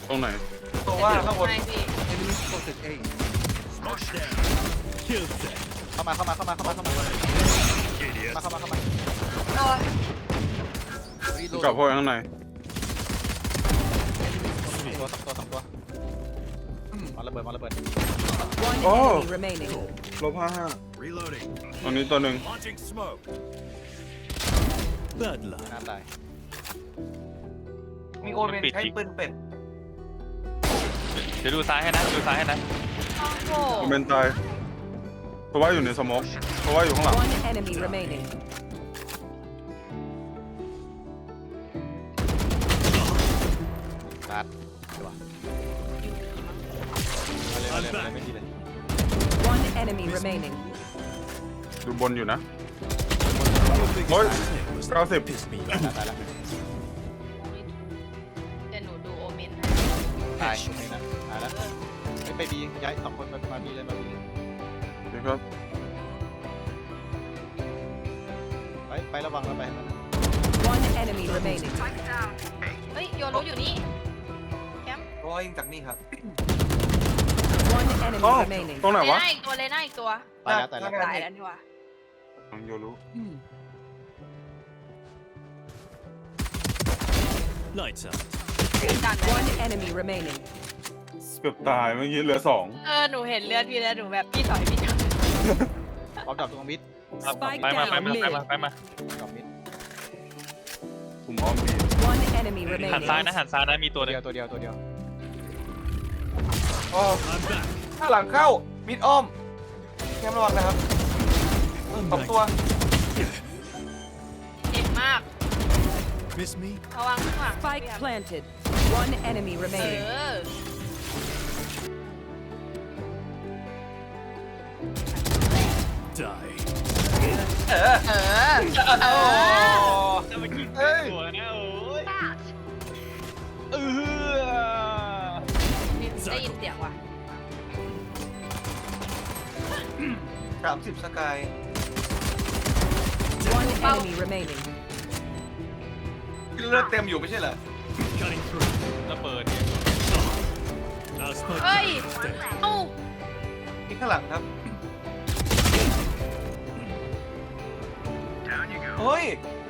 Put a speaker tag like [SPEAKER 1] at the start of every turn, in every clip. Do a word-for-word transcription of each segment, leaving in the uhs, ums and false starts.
[SPEAKER 1] ตรงไหน
[SPEAKER 2] ตัวว่าข้างบน
[SPEAKER 3] ไม่พี่
[SPEAKER 4] Enemy spotted A.
[SPEAKER 5] เข้ามาเข้ามาเข้ามาเข้ามาเข้ามาเข้ามาเข้ามาเข้ามา
[SPEAKER 3] โอ้ย
[SPEAKER 1] กลับเข้าไปข้างใน
[SPEAKER 5] ตัวสองตัวสองตัวมาระเบิดมาระเบิด
[SPEAKER 6] One
[SPEAKER 1] Oh.
[SPEAKER 6] enemy remaining.
[SPEAKER 1] ลบห้าห้า
[SPEAKER 4] Reloading.
[SPEAKER 1] ตรงนี้ตัวหนึ่ง
[SPEAKER 4] Launching smoke. Bloodline.
[SPEAKER 5] น่าตาย
[SPEAKER 2] มีโอเมนใช้ปืนเป็ด
[SPEAKER 7] เดี๋ยวดูซ้ายให้นะดูซ้ายให้นะ
[SPEAKER 3] โอ้โห
[SPEAKER 1] ผมเป็นตายเพราะว่าอยู่ในสโมกเพราะว่าอยู่ข้างหลัง
[SPEAKER 6] One enemy remaining.
[SPEAKER 5] รัดดีกว่ามาเลยมาเลยมาเลยไม่ดีเลย
[SPEAKER 6] One enemy remaining.
[SPEAKER 1] ดูบนอยู่นะโอ้ยเก้าสิบ
[SPEAKER 4] Piss me
[SPEAKER 5] ตาย
[SPEAKER 4] off.
[SPEAKER 5] ตายแล้ว
[SPEAKER 3] เดี๋ยวหนูดูโอเมน
[SPEAKER 5] ตายตรงนี้นะตายแล้วไปไปบีย้ายสองคนมามาบีเลยมาบีเลย
[SPEAKER 1] นี่ครับ
[SPEAKER 5] ไปไประวังแล้วไปมัน
[SPEAKER 6] One enemy remaining.
[SPEAKER 3] เฮ้ยโยรู้อยู่นี่แคมป์
[SPEAKER 2] ก็ยิงจากนี่ครับ
[SPEAKER 6] One enemy
[SPEAKER 1] อ๋อ
[SPEAKER 6] remaining.
[SPEAKER 1] ตรงไหน
[SPEAKER 3] เล
[SPEAKER 1] วะ
[SPEAKER 3] น่าอีกตัวเลยน่าอีกตัว
[SPEAKER 5] ตายแล้วตายแล้ว
[SPEAKER 3] ตายแล้วนี่วะ
[SPEAKER 1] น้องโยรู้
[SPEAKER 4] Lights out.
[SPEAKER 3] ดัน
[SPEAKER 6] One enemy remaining.
[SPEAKER 1] เกือบตายเมื่อกี้เหลือสอง
[SPEAKER 3] เออหนูเห็นเลือดพี่แล้วหนูแบบพี่ถอยพี่ถอย
[SPEAKER 5] พร้อมดับตรงมิด
[SPEAKER 6] Spike
[SPEAKER 7] ไปมาไป
[SPEAKER 6] down
[SPEAKER 7] มาไปมา
[SPEAKER 6] mid.
[SPEAKER 7] ไปมา
[SPEAKER 5] ดับมิด
[SPEAKER 1] ผมอ้อมบี
[SPEAKER 6] One enemy
[SPEAKER 7] หันซ้าย
[SPEAKER 6] remaining.
[SPEAKER 7] นะหันซ้ายนะมีตัวหนึ
[SPEAKER 5] เดี
[SPEAKER 7] ง
[SPEAKER 5] ยวตัวเดียวตัวเดียว
[SPEAKER 2] โอ้
[SPEAKER 4] I'm back.
[SPEAKER 2] ข้างหลังเข้ามิดอ้อมแคมระวังนะครับ
[SPEAKER 4] I'm
[SPEAKER 2] สอง
[SPEAKER 4] back.
[SPEAKER 2] ตัว
[SPEAKER 3] เจ็บมาก
[SPEAKER 4] Miss me?
[SPEAKER 3] ระวังข้างหลัง
[SPEAKER 6] Spike planted. One enemy
[SPEAKER 3] เอ
[SPEAKER 6] remaining.
[SPEAKER 3] อ
[SPEAKER 4] Die.
[SPEAKER 2] เออ
[SPEAKER 3] เออเออ
[SPEAKER 7] จะมากิน
[SPEAKER 2] เฮ้ย
[SPEAKER 7] ตัวนะโอ้ยเออ
[SPEAKER 3] ได้ยินเสียงว่ะ
[SPEAKER 2] สามสิบสกาย
[SPEAKER 6] One enemy remaining.
[SPEAKER 2] เลือดเต็มอยู่ไม่ใช่เหรอ
[SPEAKER 4] Cutting through.
[SPEAKER 7] ระเบิดเนี่ย
[SPEAKER 4] Now spike
[SPEAKER 3] เฮ้ย
[SPEAKER 4] down. Dead.
[SPEAKER 3] เอ้า
[SPEAKER 2] มีข้างหลังครับเฮ้ย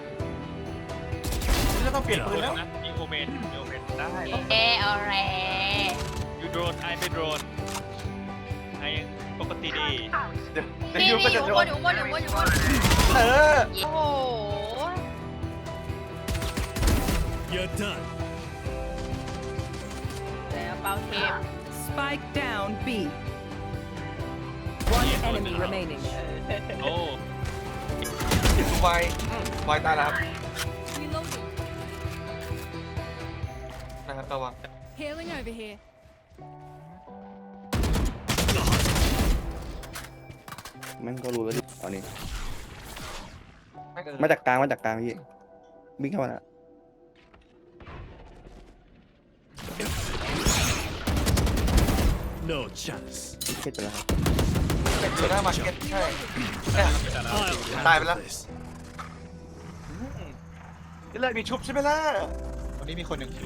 [SPEAKER 2] นี่จะต้องเปลี่ยนปืนแล้ว
[SPEAKER 7] นะมีโอเมนมีโอเมนได้
[SPEAKER 3] เออเอาแร
[SPEAKER 7] ยูโดรนไอไม่โดรนไอยังปกติดี
[SPEAKER 2] เดี๋ยวเดี๋ยว
[SPEAKER 3] นี่
[SPEAKER 2] ยู
[SPEAKER 3] นี่
[SPEAKER 2] ก็
[SPEAKER 3] อ
[SPEAKER 2] จะ
[SPEAKER 3] ยู่
[SPEAKER 2] โด
[SPEAKER 3] บ
[SPEAKER 2] น
[SPEAKER 3] นอยู่บนอยู่บนอยู่บน
[SPEAKER 2] เออ
[SPEAKER 3] โอ้โห
[SPEAKER 4] You're done.
[SPEAKER 3] แล้วเปาเทป
[SPEAKER 6] Spike down B. One enemy remaining.
[SPEAKER 7] โอ้
[SPEAKER 2] ไวไวตายแล้วครับ นะครับระวัง
[SPEAKER 8] Healing over here.
[SPEAKER 9] แม่งก็รู้แล้วดิตอนนี้
[SPEAKER 2] ไม่เกิน
[SPEAKER 9] มาจากกลางมาจากกลางพี่วิ่งเข้ามาละ
[SPEAKER 4] No chance.
[SPEAKER 9] เช็ดไปแล้วครับ
[SPEAKER 2] เป็นเซอร์หน้ามาร์เก็ตใช่เนี่ย
[SPEAKER 4] I'll
[SPEAKER 2] Dive
[SPEAKER 4] handle
[SPEAKER 2] lang.
[SPEAKER 4] this.
[SPEAKER 2] นี่เลยมีชุบใช่ไหมล่ะ
[SPEAKER 5] วันนี้มีคนหนึ่ง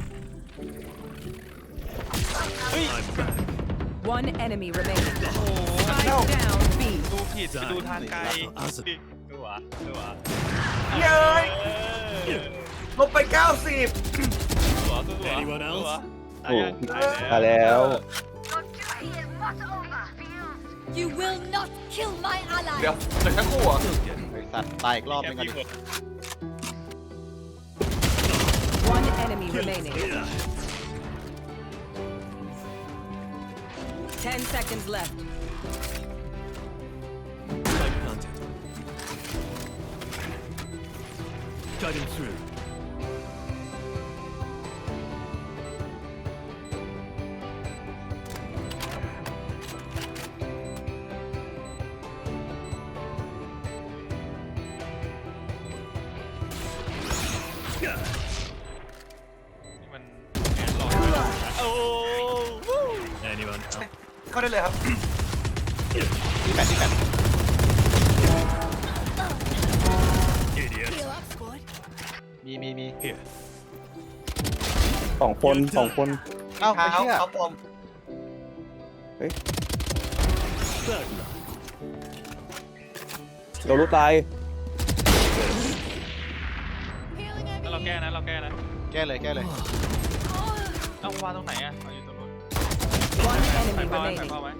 [SPEAKER 4] I'm back.
[SPEAKER 6] One enemy remaining.
[SPEAKER 2] no.
[SPEAKER 6] Spike down B.
[SPEAKER 7] ดูผิดไปดูทางไกลดูวะดูวะ
[SPEAKER 2] เย้ย
[SPEAKER 7] เออ
[SPEAKER 2] ลบไปเก้าสิบ
[SPEAKER 7] ดูวะดูวะ
[SPEAKER 4] Anyone else?
[SPEAKER 7] ดูวะ
[SPEAKER 9] โอ้
[SPEAKER 7] ตายแล้ว
[SPEAKER 9] มาแล้ว
[SPEAKER 8] You will not kill my
[SPEAKER 2] เดี๋ยว
[SPEAKER 8] ally.
[SPEAKER 2] เดี๋ยวทั้งคู่เหรอ
[SPEAKER 5] ไอสัตว์ตายอีกรอบนึงกันดิ
[SPEAKER 6] One enemy remaining. Ten seconds left.
[SPEAKER 4] Spike planted. Cutting through. Yeah.
[SPEAKER 7] นี่มันแอนหลอกโอ้
[SPEAKER 4] Anyone else?
[SPEAKER 2] เข้าได้เลยครับ
[SPEAKER 5] ที่แปดที่แปด
[SPEAKER 4] Idiot.
[SPEAKER 8] Heal up, squad.
[SPEAKER 5] มีมีมี
[SPEAKER 4] Here.
[SPEAKER 9] สองคนสองคน
[SPEAKER 5] เอ้า
[SPEAKER 2] เท้า
[SPEAKER 5] ไอ้เชี่ย
[SPEAKER 2] เขาปลอม
[SPEAKER 4] Third love.
[SPEAKER 9] โดนรู้ตาย
[SPEAKER 8] Healing
[SPEAKER 7] แล้ว
[SPEAKER 8] over
[SPEAKER 7] เราแก้
[SPEAKER 8] here.
[SPEAKER 7] นะเราแก้นะ
[SPEAKER 5] แก้เลยแก้เลย
[SPEAKER 7] เอ้าวางตรงไหนอ่ะเอาอยู่ตรงนู้น
[SPEAKER 6] One enemy
[SPEAKER 7] ใส่เป้าไว้ใส่
[SPEAKER 6] remaining.
[SPEAKER 7] เป้าไว้